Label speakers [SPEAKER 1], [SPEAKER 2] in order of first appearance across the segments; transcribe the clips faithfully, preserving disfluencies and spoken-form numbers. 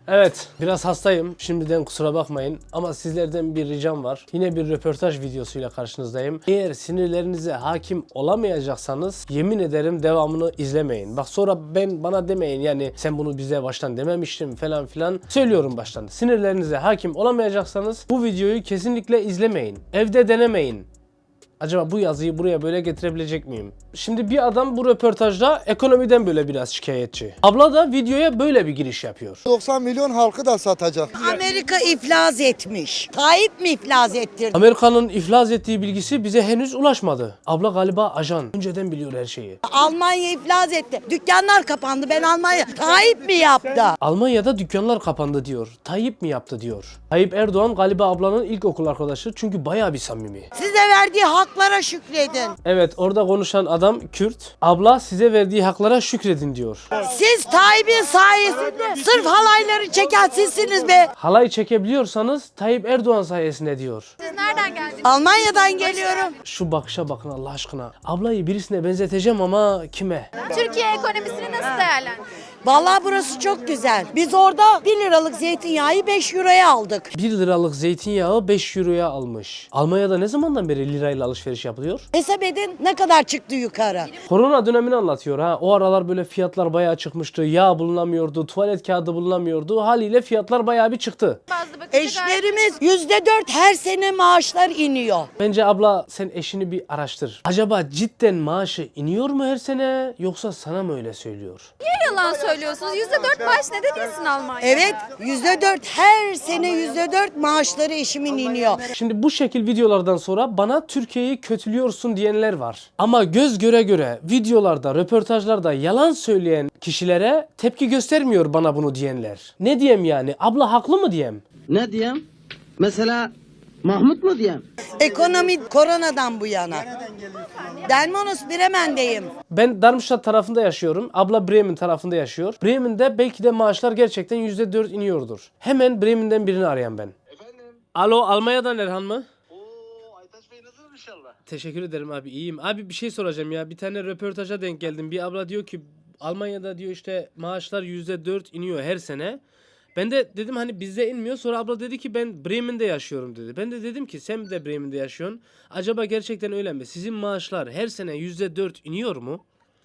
[SPEAKER 1] Evet, biraz hastayım. Şimdiden kusura bakmayın. Ama sizlerden bir ricam var. Yine bir röportaj videosuyla karşınızdayım. Eğer sinirlerinize hakim olamayacaksanız yemin ederim devamını izlemeyin. Bak sonra ben bana demeyin yani sen bunu bize baştan dememiştin falan filan. Söylüyorum baştan. Sinirlerinize hakim olamayacaksanız bu videoyu kesinlikle izlemeyin. Evde denemeyin. Acaba bu yazıyı buraya böyle getirebilecek miyim? Şimdi bir adam bu röportajda ekonomiden böyle biraz şikayetçi. Abla da videoya böyle bir giriş yapıyor.
[SPEAKER 2] doksan milyon halkı da satacak.
[SPEAKER 3] Amerika iflas etmiş. Tayyip mi iflas ettirdi?
[SPEAKER 1] Amerika'nın iflas ettiği bilgisi bize henüz ulaşmadı. Abla galiba ajan. Önceden biliyor her şeyi.
[SPEAKER 3] Almanya iflas etti. Dükkanlar kapandı. Ben Almanya. Tayyip mi yaptı?
[SPEAKER 1] Almanya'da dükkanlar kapandı diyor. Tayyip mi yaptı diyor. Tayyip Erdoğan galiba ablanın ilkokul arkadaşı çünkü bayağı bir samimi.
[SPEAKER 3] Size verdiği haklara şükredin.
[SPEAKER 1] Evet, orada konuşan adam Kürt. Abla size verdiği haklara şükredin diyor.
[SPEAKER 3] Siz Tayyip'in sayesinde sırf halayları çeken sizsiniz be.
[SPEAKER 1] Halay çekebiliyorsanız Tayyip Erdoğan sayesinde diyor.
[SPEAKER 4] Siz nereden geldiniz?
[SPEAKER 3] Almanya'dan geliyorum.
[SPEAKER 1] Şu bakışa bakın Allah aşkına. Ablayı birisine benzeteceğim ama kime?
[SPEAKER 4] Türkiye ekonomisini nasıl değerlendiriyorsunuz?
[SPEAKER 3] Vallahi burası çok güzel. Biz orada bir liralık zeytinyağı beş euroya aldık.
[SPEAKER 1] bir liralık zeytinyağı beş euroya almış. Almanya'da ne zamandan beri lirayla alışveriş yapılıyor?
[SPEAKER 3] Hesap edin ne kadar çıktı yukarı.
[SPEAKER 1] Korona dönemini anlatıyor ha. O aralar böyle fiyatlar bayağı çıkmıştı. Yağ bulunamıyordu, tuvalet kağıdı bulunamıyordu. Haliyle fiyatlar bayağı bir çıktı.
[SPEAKER 4] Bazı bakınca
[SPEAKER 3] Eşlerimiz yüzde dört her sene maaşlar iniyor.
[SPEAKER 1] Bence abla sen eşini bir araştır. Acaba cidden maaşı iniyor mu her sene yoksa sana mı öyle söylüyor?
[SPEAKER 4] niye yalan söylüyorsunuz? yüzde dört maaş neden insin Almanya?
[SPEAKER 3] Evet yüzde dört her sene yüzde dört maaşları eşimin iniyor.
[SPEAKER 1] Şimdi bu şekil videolardan sonra bana Türkiye'yi kötülüyorsun diyenler var. Ama göz göre göre videolarda, röportajlarda yalan söyleyen kişilere tepki göstermiyor bana bunu diyenler. Ne diyeyim yani? Abla haklı mı diyeyim?
[SPEAKER 5] Ne diyeyim? Mesela Mahmut mu diyeyim?
[SPEAKER 3] Ekonomi koronadan bu yana. Delmonos Bremen'deyim.
[SPEAKER 1] Ben Darmstadt tarafında yaşıyorum. Abla Bremen tarafında yaşıyor. Bremen'de belki de maaşlar gerçekten yüzde dört iniyordur. Hemen Bremen'den birini arayan ben.
[SPEAKER 6] Efendim?
[SPEAKER 1] Alo, Almanya'dan Erhan mı?
[SPEAKER 6] Oo, Aytaç Bey nasılsınız inşallah?
[SPEAKER 1] Teşekkür ederim abi, iyiyim. Abi bir şey soracağım ya. Bir tane röportaja denk geldim. Bir abla diyor ki Almanya'da diyor işte maaşlar yüzde dört iniyor her sene. Ben de dedim hani bizde inmiyor. Sonra abla dedi ki ben Bremen'de yaşıyorum dedi. Ben de dedim ki sen de Bremen'de yaşıyorsun. Acaba gerçekten öyle mi? Sizin maaşlar her sene yüzde dört iniyor mu?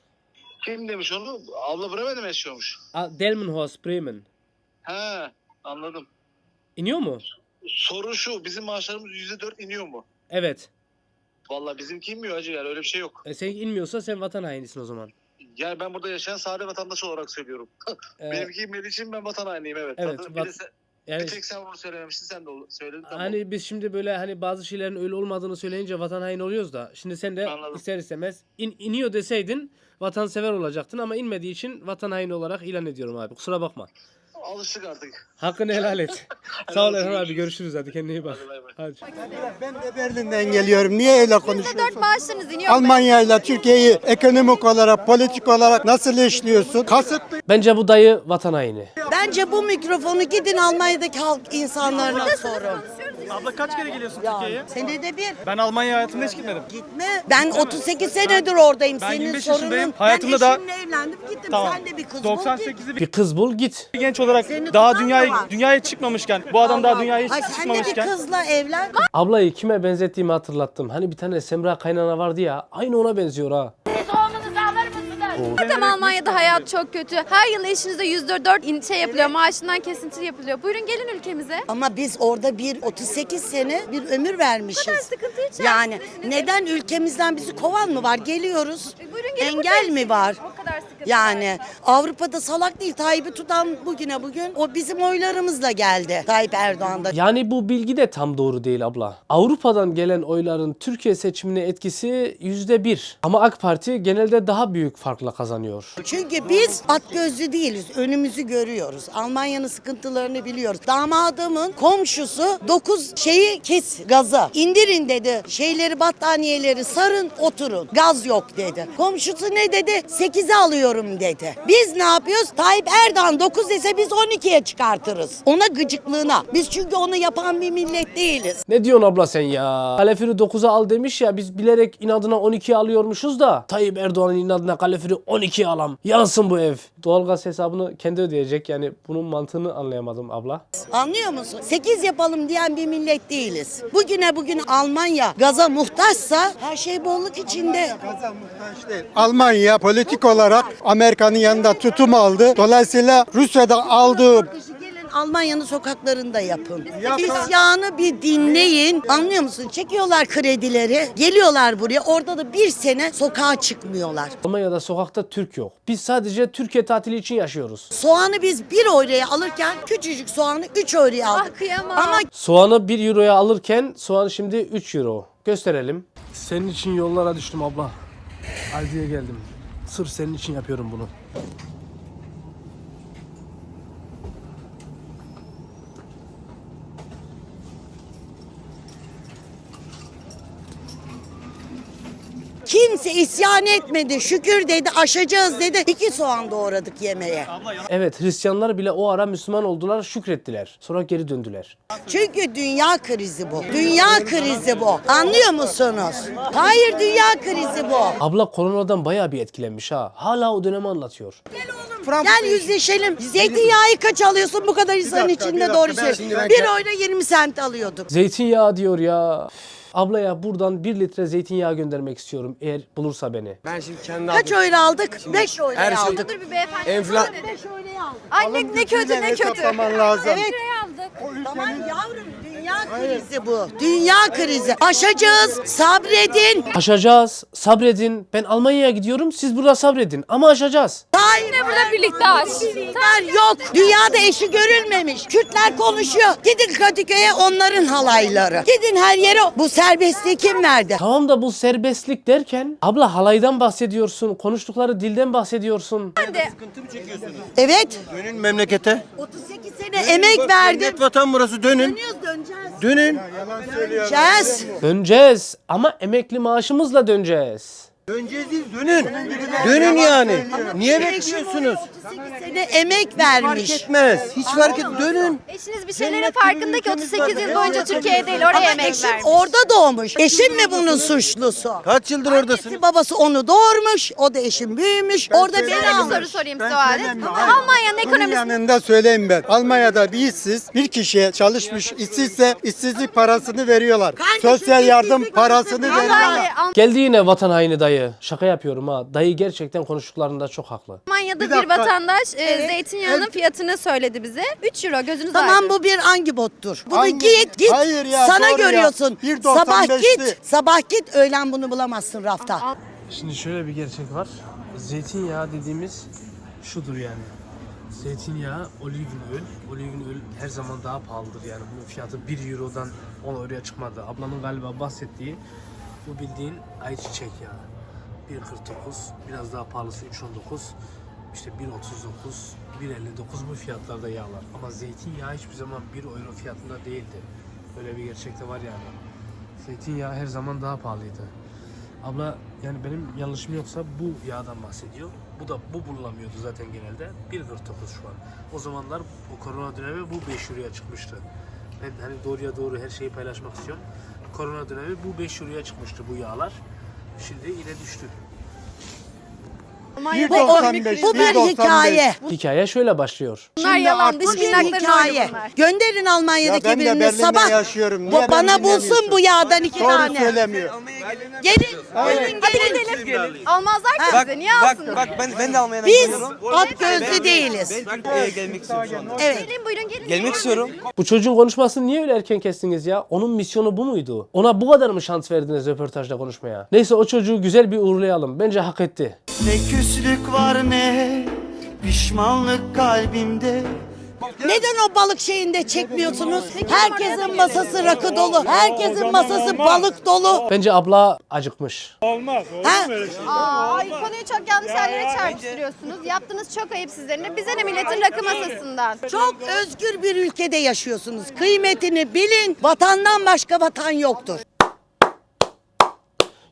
[SPEAKER 6] Kim demiş onu? Abla Bremen'de mi yaşıyormuş?
[SPEAKER 1] A- Delmenhorst, Bremen.
[SPEAKER 6] He, anladım.
[SPEAKER 1] İniyor mu?
[SPEAKER 6] Soru şu, bizim maaşlarımız yüzde dört iniyor mu?
[SPEAKER 1] Evet.
[SPEAKER 6] Vallahi bizimki inmiyor hacı, yani öyle bir şey yok.
[SPEAKER 1] E, senin inmiyorsa sen vatan hainisin o zaman.
[SPEAKER 6] Yani ben burada yaşayan sade vatandaş olarak söylüyorum.
[SPEAKER 1] Ee,
[SPEAKER 6] Benimki inmediği için ben vatan hainiyim, evet.
[SPEAKER 1] Evet,
[SPEAKER 6] Zaten
[SPEAKER 1] vat-
[SPEAKER 6] bir, de sen,
[SPEAKER 1] yani
[SPEAKER 6] bir tek sen onu söylememiştin, sen de o- söyledin. Tamam.
[SPEAKER 1] hani biz şimdi böyle hani bazı şeylerin öyle olmadığını söyleyince vatan haini oluyoruz da şimdi sen de
[SPEAKER 6] Anladım.
[SPEAKER 1] ister istemez in, iniyor deseydin vatansever olacaktın ama inmediği için vatan haini olarak ilan ediyorum abi. Kusura bakma.
[SPEAKER 6] Alıştık artık.
[SPEAKER 1] Hakkını helal et. Sağ ol
[SPEAKER 6] olsun,
[SPEAKER 1] Erhan abi,
[SPEAKER 6] görüşürüz.
[SPEAKER 1] görüşürüz, hadi kendine iyi bak.
[SPEAKER 6] Hadi bay bay.
[SPEAKER 1] Hadi.
[SPEAKER 2] Ben de Berlin'den geliyorum. Niye öyle
[SPEAKER 4] yüzde dört
[SPEAKER 2] konuşuyorsun?
[SPEAKER 4] maaşlarınız iniyor mu?
[SPEAKER 2] Almanya ile Türkiye'yi ekonomik olarak, politik olarak nasıl eşliyorsun? Kasıtlı.
[SPEAKER 1] Bence bu dayı vatan haini.
[SPEAKER 3] Bence bu mikrofonu gidin Almanya'daki halk insanlarına sorun.
[SPEAKER 7] Abla kaç kere geliyorsun
[SPEAKER 3] Ya,
[SPEAKER 7] Türkiye'ye?
[SPEAKER 3] senede bir.
[SPEAKER 7] Ben Almanya hayatımda hiç gitmedim.
[SPEAKER 3] Gitme. Ben otuz sekiz senedir oradayım.
[SPEAKER 7] Ben
[SPEAKER 3] Senin
[SPEAKER 7] yirmi beş
[SPEAKER 3] sorunun.
[SPEAKER 7] yaşındayım. Hayatımda
[SPEAKER 3] ben
[SPEAKER 7] da-
[SPEAKER 3] eşimle evlendim gittim.
[SPEAKER 7] Tamam.
[SPEAKER 3] Sen de bir kız bul.
[SPEAKER 7] doksan
[SPEAKER 3] git.
[SPEAKER 7] sekizli bir
[SPEAKER 1] Bir kız bul git.
[SPEAKER 7] genç olarak
[SPEAKER 3] Seni
[SPEAKER 7] daha
[SPEAKER 3] tutan
[SPEAKER 7] dünyaya
[SPEAKER 3] mı var?
[SPEAKER 7] dünyaya çıkmamışken, bu adam daha dünyaya hiç
[SPEAKER 3] Ay, sen de bir
[SPEAKER 7] çıkmamışken.
[SPEAKER 3] kızla evlen.
[SPEAKER 1] Ablayı kime benzettiğimi hatırlattım. Hani bir tane Semra kaynana vardı ya, aynı ona benziyor ha.
[SPEAKER 4] Zaten Almanya'da hayat çok kötü. Her yıl eşinize yüzde dört in- şey yapılıyor. Maaşından kesinti yapılıyor. Buyurun gelin ülkemize.
[SPEAKER 3] Ama biz orada bir otuz sekiz sene bir ömür vermişiz.
[SPEAKER 4] Bu kadar sıkıntı içerisindesiniz.
[SPEAKER 3] Yani neden ülkemizden bizi kovan mı var? Geliyoruz.
[SPEAKER 4] E, buyurun gelin
[SPEAKER 3] Engel
[SPEAKER 4] burada
[SPEAKER 3] mi var?
[SPEAKER 4] O kadar sıkıntı
[SPEAKER 3] Yani Avrupa'da salak değil. Tayyip'i tutan bugüne bugün o bizim oylarımızla geldi. Tayyip Erdoğan da.
[SPEAKER 1] Yani bu bilgi de tam doğru değil abla. Avrupa'dan gelen oyların Türkiye seçimine etkisi yüzde bir. Ama AK Parti genelde daha büyük farkla kazanıyor.
[SPEAKER 3] Çünkü biz at gözlü değiliz. Önümüzü görüyoruz. Almanya'nın sıkıntılarını biliyoruz. Damadımın komşusu dokuz şeyi kes gazı. İndirin dedi. Şeyleri battaniyeleri sarın oturun. Gaz yok dedi. Komşusu ne dedi? sekize alıyorum istiyorum dedi. Biz ne yapıyoruz? Tayyip Erdoğan dokuz dese biz on ikiye çıkartırız. Ona gıcıklığına. Biz çünkü onu yapan bir millet değiliz.
[SPEAKER 1] Ne diyorsun abla sen ya? Kalefiri dokuza al demiş ya, biz bilerek inadına on ikiye alıyormuşuz da Tayyip Erdoğan'ın inadına kalefiri on ikiye alam. Yansın bu ev. Doğalgaz hesabını kendi ödeyecek, yani bunun mantığını anlayamadım abla.
[SPEAKER 3] Anlıyor musun? sekiz yapalım diyen bir millet değiliz. Bugüne bugün Almanya gaza muhtaçsa her şey bolluk içinde.
[SPEAKER 2] Almanya politik olarak Amerika'nın yanında tutum aldı. Dolayısıyla Rusya'da aldığı
[SPEAKER 3] Gelin Almanya'nın sokaklarında yapın. İsyanı bir dinleyin. Anlıyor musun? Çekiyorlar kredileri. Geliyorlar buraya. Orada da bir sene sokağa çıkmıyorlar.
[SPEAKER 1] Almanya'da sokakta Türk yok. Biz sadece Türkiye tatili için yaşıyoruz.
[SPEAKER 3] Soğanı biz bir euroya alırken küçücük soğanı üç euroya aldık.
[SPEAKER 4] Ah, kıyamam.
[SPEAKER 3] Ama
[SPEAKER 1] Soğanı bir euroya alırken soğan şimdi üç euro. Gösterelim. Senin için yollara düştüm abla. Aldi'ye geldim. Sırf senin için yapıyorum bunu.
[SPEAKER 3] kimse isyan etmedi. Şükür dedi, aşacağız dedi. İki soğan doğradık yemeğe.
[SPEAKER 1] Evet, Hristiyanlar bile o ara Müslüman oldular, şükrettiler. Sonra geri döndüler.
[SPEAKER 3] Çünkü dünya krizi bu. Dünya krizi bu. Anlıyor musunuz? Hayır, dünya krizi bu.
[SPEAKER 1] Abla koronadan bayağı bir etkilenmiş ha. Hala o dönemi anlatıyor.
[SPEAKER 3] Gel yüzleşelim. Zeytinyağı kaç alıyorsun bu kadar insanın içinde, doğru söylüyorsun. Bir oyuna yirmi sent alıyorduk.
[SPEAKER 1] Zeytinyağı diyor ya. Abla ya, buradan bir litre zeytinyağı göndermek istiyorum eğer bulursa beni.
[SPEAKER 5] Ben şimdi kendi
[SPEAKER 3] Kaç oyla aldık? beş oyla
[SPEAKER 5] her şey-
[SPEAKER 3] aldık.
[SPEAKER 4] Dur bir beyefendi.
[SPEAKER 5] Enfla-
[SPEAKER 3] beş oyla aldık.
[SPEAKER 4] Anne ne kötü ne kötü.
[SPEAKER 2] hesaplaman lazım.
[SPEAKER 3] Evet. Tamam yavrum, dünya krizi bu. Dünya krizi. Aşacağız. Sabredin.
[SPEAKER 1] Aşacağız, sabredin. Ben Almanya'ya gidiyorum, siz burada sabredin. Ama aşacağız.
[SPEAKER 3] Hayır.
[SPEAKER 4] Burada birlikte aç.
[SPEAKER 3] Kürtler yok. Dünyada eşi görülmemiş. Kürtler konuşuyor. Gidin Kadıköy'e, onların halayları. Gidin her yere. Bu serbestliği kim verdi?
[SPEAKER 1] Tamam da bu serbestlik derken abla halaydan bahsediyorsun, konuştukları dilden bahsediyorsun.
[SPEAKER 3] Evet.
[SPEAKER 5] Dönün memlekete.
[SPEAKER 3] otuz sekiz sene emek verdim.
[SPEAKER 5] Cennet vatan burası, dönün.
[SPEAKER 3] Dönüyoruz, döneceğiz.
[SPEAKER 5] Dönün.
[SPEAKER 3] Döneceğiz.
[SPEAKER 1] Döneceğiz ama emekli maaşımızla döneceğiz.
[SPEAKER 5] Döneceğiz değil, dönün. Dönün yani. Niye bekliyorsunuz?
[SPEAKER 3] otuz sekiz sene emek
[SPEAKER 5] Fark
[SPEAKER 3] vermiş.
[SPEAKER 5] etmez. Hiç fark et. Dönün.
[SPEAKER 4] Eşiniz bir şeylerin farkında ki otuz sekiz yıl boyunca Türkiye'de değil oraya
[SPEAKER 3] Ama
[SPEAKER 4] emek
[SPEAKER 3] eşim
[SPEAKER 4] vermiş.
[SPEAKER 3] orada doğmuş. Eşim mi bunun suçlusu?
[SPEAKER 5] Kaç yıldır oradasın?
[SPEAKER 3] Annesi babası onu doğurmuş. O da eşim büyümüş. Orada beni
[SPEAKER 4] Şöyle bir
[SPEAKER 3] almış.
[SPEAKER 4] soru sorayım size o halde. Almanya'nın
[SPEAKER 2] Bunun
[SPEAKER 4] ekonomisi
[SPEAKER 2] yanında söyleyeyim ben. Almanya'da bir işsiz bir kişiye çalışmış işsizse işsizlik parasını veriyorlar.
[SPEAKER 3] Kardeşim,
[SPEAKER 2] Sosyal yardım
[SPEAKER 3] işsizlik
[SPEAKER 2] parasını
[SPEAKER 3] parası
[SPEAKER 2] veriyorlar.
[SPEAKER 4] Almanya-
[SPEAKER 1] Geldi yine vatan haini dayı. Şaka yapıyorum ha. Dayı gerçekten konuştuklarında çok haklı.
[SPEAKER 4] Almanya'da
[SPEAKER 2] Bir
[SPEAKER 4] bir,
[SPEAKER 2] dakika.
[SPEAKER 4] vatandaş e,
[SPEAKER 3] Evet.
[SPEAKER 4] zeytinyağının
[SPEAKER 2] Evet.
[SPEAKER 4] fiyatını söyledi bize. üç euro gözünüz
[SPEAKER 3] Tamam,
[SPEAKER 4] aydın.
[SPEAKER 3] bu bir hangi bottur? Bunu
[SPEAKER 2] Hangi-
[SPEAKER 3] git git.
[SPEAKER 2] Hayır ya,
[SPEAKER 3] Sana
[SPEAKER 2] doğru ya.
[SPEAKER 3] görüyorsun.
[SPEAKER 2] bir doksan
[SPEAKER 3] Sabah
[SPEAKER 2] beşti.
[SPEAKER 3] git. Sabah git. Öğlen bunu bulamazsın rafta.
[SPEAKER 1] Şimdi şöyle bir gerçek var. Zeytinyağı dediğimiz şudur yani. Zeytinyağı, olivenöl. Olivenöl her zaman daha pahalıdır yani. Bunun fiyatı bir eurodan on euroya çıkmadı. Ablamın galiba bahsettiği bu bildiğin ayçiçek yağı. bir kırk dokuz, biraz daha pahalısı üç on dokuz, işte bir otuz dokuz, bir elli dokuz bu fiyatlarda yağlar. Ama zeytinyağı hiçbir zaman bir euro fiyatında değildi. Böyle bir gerçek de var yani. Zeytinyağı her zaman daha pahalıydı. Abla yani benim yanlışım yoksa bu yağdan bahsediyor. Bu da bu bululamıyordu zaten genelde. bir kırk dokuz şu an. O zamanlar o korona dönemi bu beş euroya çıkmıştı. Ben hani doğruya doğru her şeyi paylaşmak istiyorum. Korona dönemi bu beş euroya çıkmıştı bu yağlar. Şimdi yine düştü.
[SPEAKER 3] Bu, o- bu bir hikaye.
[SPEAKER 1] Hikaye şöyle başlıyor.
[SPEAKER 4] Bunlar yalan, dış
[SPEAKER 3] Bu bir
[SPEAKER 4] minnakların
[SPEAKER 3] hikaye.
[SPEAKER 4] oyunu bunlar.
[SPEAKER 3] Gönderin Almanya'daki
[SPEAKER 2] Ya ben de
[SPEAKER 3] birini
[SPEAKER 2] Berlin'de
[SPEAKER 3] sabah.
[SPEAKER 2] yaşıyorum.
[SPEAKER 3] Bu
[SPEAKER 2] Niye
[SPEAKER 3] bana
[SPEAKER 2] beni
[SPEAKER 3] bulsun
[SPEAKER 2] dinlemiyorsun?
[SPEAKER 3] bu yağdan iki
[SPEAKER 2] Doğru
[SPEAKER 3] tane.
[SPEAKER 2] söylemiyor.
[SPEAKER 3] Gelin, gelin, gelin.
[SPEAKER 4] Gidelim. Almazlar ki bize. Niye alsınlar?
[SPEAKER 8] Bak ben ben de Almanya'dan
[SPEAKER 3] Biz
[SPEAKER 8] geliyorum.
[SPEAKER 3] at gözlü değiliz.
[SPEAKER 8] Ben Türkiye'ye gelmek istiyorum şu anda.
[SPEAKER 3] Evet.
[SPEAKER 4] Gelin buyurun gelin.
[SPEAKER 8] Gelmek istiyorum.
[SPEAKER 1] Bu çocuğun konuşmasını niye öyle erken kestiniz ya? Onun misyonu bu muydu? Ona bu kadar mı şans verdiniz röportajda konuşmaya? Neyse, o çocuğu güzel bir uğurlayalım. Bence hak etti.
[SPEAKER 9] Ne küslük var ne pişmanlık kalbimde.
[SPEAKER 3] Neden o balık şeyinde çekmiyorsunuz? Herkesin masası rakı dolu. Herkesin masası balık dolu.
[SPEAKER 1] Bence abla acıkmış.
[SPEAKER 3] Ha?
[SPEAKER 4] Aa, ay, konuyu çok yanlış yerlere çarpıştırıyorsunuz. Yaptığınız çok ayıp sizlerin. Bize ne milletin rakı masasından.
[SPEAKER 3] Çok özgür bir ülkede yaşıyorsunuz. Kıymetini bilin. Vatandan başka vatan yoktur.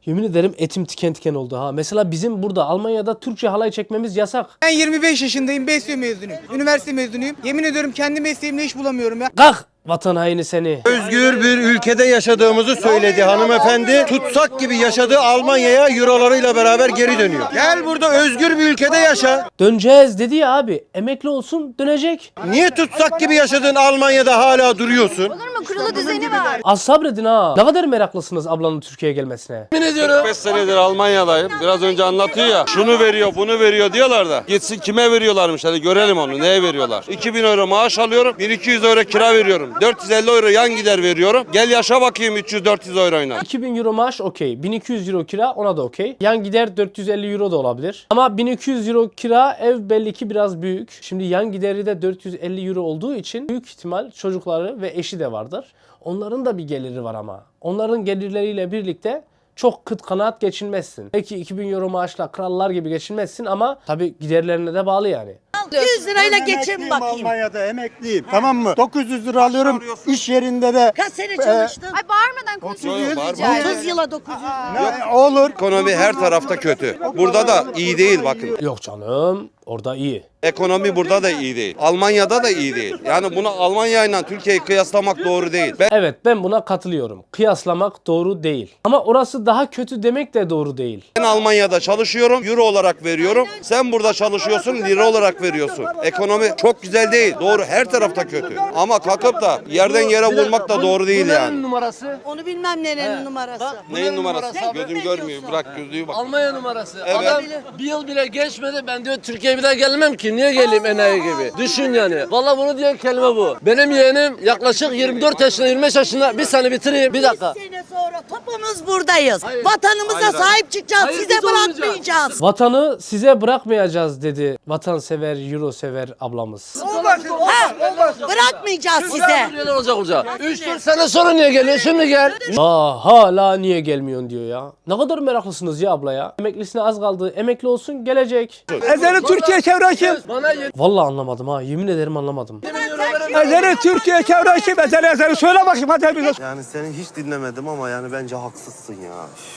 [SPEAKER 1] Yemin ederim etim tiken tiken oldu ha. Mesela bizim burada Almanya'da Türkçe halay çekmemiz yasak.
[SPEAKER 8] Ben yirmi beş yaşındayım, Besyo mezunuyum. Üniversite mezunuyum. Yemin ediyorum kendi mesleğimle iş bulamıyorum ya.
[SPEAKER 1] Kalk vatan haini seni.
[SPEAKER 10] Özgür bir ülkede yaşadığımızı söyledi hanımefendi. Tutsak gibi yaşadığı Almanya'ya eurolarıyla beraber geri dönüyor. Gel burada özgür bir ülkede yaşa.
[SPEAKER 1] Döneceğiz dedi ya abi. Emekli olsun dönecek.
[SPEAKER 10] Niye tutsak gibi yaşadığın Almanya'da hala duruyorsun?
[SPEAKER 4] Olur mu? Kurulu düzeni var.
[SPEAKER 1] Az sabredin ha. Ne kadar meraklısınız ablanın Türkiye'ye gelmesine.
[SPEAKER 11] kırk beş senedir Almanya'dayım. Biraz önce anlatıyor ya. Şunu veriyor, bunu veriyor diyorlar da. Gitsin kime veriyorlarmış hadi görelim onu. Neye veriyorlar? iki bin euro maaş alıyorum. bin iki yüz euro kira veriyorum. dört yüz elli euro yan gider veriyorum. Gel yaşa bakayım üç yüz dört yüz euroyla.
[SPEAKER 1] iki bin euro maaş okey. bin iki yüz euro kira ona da okey. Yan gider dört yüz elli euro da olabilir. Ama bin iki yüz euro kira ev belli ki biraz büyük. Şimdi yan gideri de dört yüz elli euro olduğu için büyük ihtimal çocukları ve eşi de vardır. Onların da bir geliri var ama. Onların gelirleriyle birlikte çok kıt kanaat geçinmezsin. Belki iki bin euro maaşla krallar gibi geçinmezsin ama tabii giderlerine de bağlı yani.
[SPEAKER 3] yüz lirayla geçin
[SPEAKER 2] Emekliyim
[SPEAKER 3] bakayım.
[SPEAKER 2] Almanya'da emekliyim. Tamam mı? dokuz yüz lira alıyorum. İş yerinde de
[SPEAKER 3] Kaç sene çalıştın?
[SPEAKER 4] Ay bağırmadan konuşun.
[SPEAKER 3] otuz yıla dokuz yüz.
[SPEAKER 2] ne olur.
[SPEAKER 11] Ekonomi her tarafta kötü. Burada da iyi değil bakın.
[SPEAKER 1] Yok canım orada iyi.
[SPEAKER 11] Ekonomi burada da iyi değil. Almanya'da da iyi değil. Yani bunu Almanya ile Türkiye'yi kıyaslamak doğru değil. Ben
[SPEAKER 1] Evet ben buna katılıyorum. Kıyaslamak doğru değil. Ama orası daha kötü demek de doğru değil.
[SPEAKER 11] Ben Almanya'da çalışıyorum, euro olarak veriyorum. Sen burada çalışıyorsun, lira olarak veriyorsun. Ekonomi çok güzel değil. Doğru, her tarafta kötü. Ama kalkıp da yerden yere vurmak da doğru değil yani.
[SPEAKER 8] numarası?
[SPEAKER 3] Onu bilmem nerenin numarası.
[SPEAKER 11] Neyin numarası? Gözüm görmüyor. Bırak gözlüğü bak.
[SPEAKER 8] Almanya numarası.
[SPEAKER 11] Evet.
[SPEAKER 8] Adam bir yıl bile geçmedi ben diyor Türkiye'ye bir daha gelmem ki. Niye geleyim enayi gibi? Düşün yani. Vallahi bunu diyen kelime bu. Benim yeğenim yaklaşık yirmi dört yaşında yirmi beş yaşında bir sene bitireyim. Bir dakika.
[SPEAKER 3] Bir sene sonra topumuz buradayız. Vatanımıza sahip çıkacağız.
[SPEAKER 8] Hayır,
[SPEAKER 3] Size
[SPEAKER 8] biz olmayacağız.
[SPEAKER 3] bırakmayacağız.
[SPEAKER 1] Vatanı size bırakmayacağız dedi vatansever, euro sever ablamız.
[SPEAKER 3] Ha, bırakmayacağız size.
[SPEAKER 8] Neler olacak olacak? üç dört sene sonra niye geliyor? Şimdi gel.
[SPEAKER 1] Aa hala niye gelmiyorsun diyor ya. Ne kadar meraklısınız ya abla ya. Emeklisine az kaldı. Emekli olsun gelecek.
[SPEAKER 8] Ezeli Türkiye çevre kim? Bana
[SPEAKER 1] Vallahi anlamadım ha. Yemin ederim anlamadım.
[SPEAKER 8] Ezeli Türkiye çevre kim? Ezeli ezeli söyle bakayım hadi bize.
[SPEAKER 10] Yani seni hiç dinlemedim ama yani bence haksızsın ya.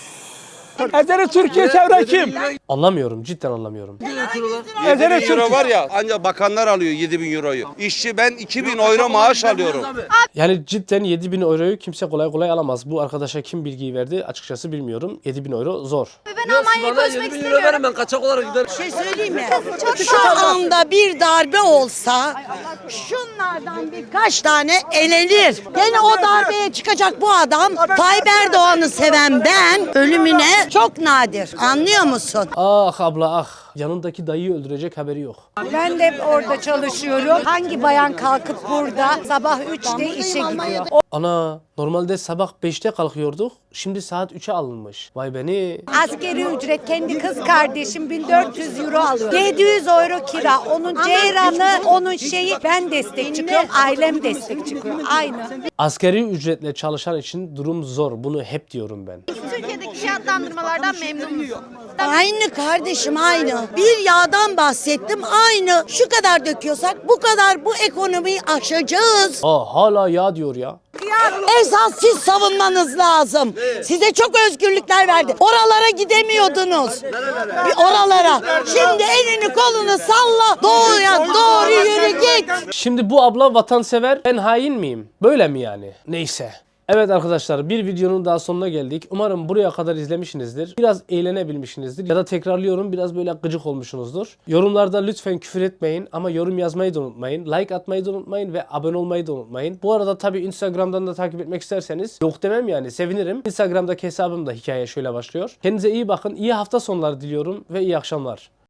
[SPEAKER 8] Ezeli Türkiye çevre kim?
[SPEAKER 1] Anlamıyorum. Cidden anlamıyorum.
[SPEAKER 11] yedi bin euro var ya ancak bakanlar alıyor yedi bin euroyu. İşçi ben iki bin euro maaş alıyorum.
[SPEAKER 1] Yani cidden yedi bin euroyu kimse kolay kolay alamaz. Bu arkadaşa kim bilgiyi verdi açıkçası bilmiyorum. yedi bin euro zor.
[SPEAKER 4] Ben Almanya'ya koşmak istemiyorum.
[SPEAKER 8] Ben kaçak olarak giderim.
[SPEAKER 3] Bir şey söyleyeyim mi? Şu anda bir darbe olsa şunlardan birkaç tane elenir. Gene o darbeye çıkacak bu adam Tayyip Erdoğan'ı seven ben ölümüne çok nadir. Anlıyor musun?
[SPEAKER 1] Ah abla ah. Yanındaki dayıyı öldürecek haberi yok.
[SPEAKER 12] Ben de orada çalışıyorum. Hangi bayan kalkıp burada sabah üçte işe gidiyor?
[SPEAKER 1] Ana normalde sabah beşte kalkıyorduk. Şimdi saat üçe alınmış. Vay beni.
[SPEAKER 12] Askeri ücret kendi kız kardeşim bin dört yüz euro alıyor. yedi yüz euro kira. Onun ceyranı, onun şeyi ben destek çıkıyorum. Ailem destek çıkıyor. Aynı.
[SPEAKER 1] Asgari ücretle çalışan için durum zor. Bunu hep diyorum ben.
[SPEAKER 4] Türkiye'deki fiyatlandırmalardan memnun musun?
[SPEAKER 3] Aynı kardeşim aynı. Bir yağdan bahsettim aynı. Şu kadar döküyorsak bu kadar bu ekonomiyi aşacağız.
[SPEAKER 1] Aa hala ya diyor ya.
[SPEAKER 3] Esas siz savunmanız lazım. Size çok özgürlükler verdi. Oralara gidemiyordunuz. Bir oralara. Şimdi elini kolunu salla. Doğuya doğru yürü git.
[SPEAKER 1] Şimdi bu abla vatansever. Ben hain miyim? Böyle mi yani? Neyse. Evet arkadaşlar bir videonun daha sonuna geldik. Umarım buraya kadar izlemişsinizdir. Biraz eğlenebilmişsinizdir. Ya da tekrarlıyorum biraz böyle gıcık olmuşsunuzdur. Yorumlarda lütfen küfür etmeyin ama yorum yazmayı da unutmayın. Like atmayı da unutmayın ve abone olmayı da unutmayın. Bu arada tabii Instagram'dan da takip etmek isterseniz yok demem yani sevinirim. Instagram'daki hesabım da hikaye şöyle başlıyor. Kendinize iyi bakın. İyi hafta sonları diliyorum ve iyi akşamlar.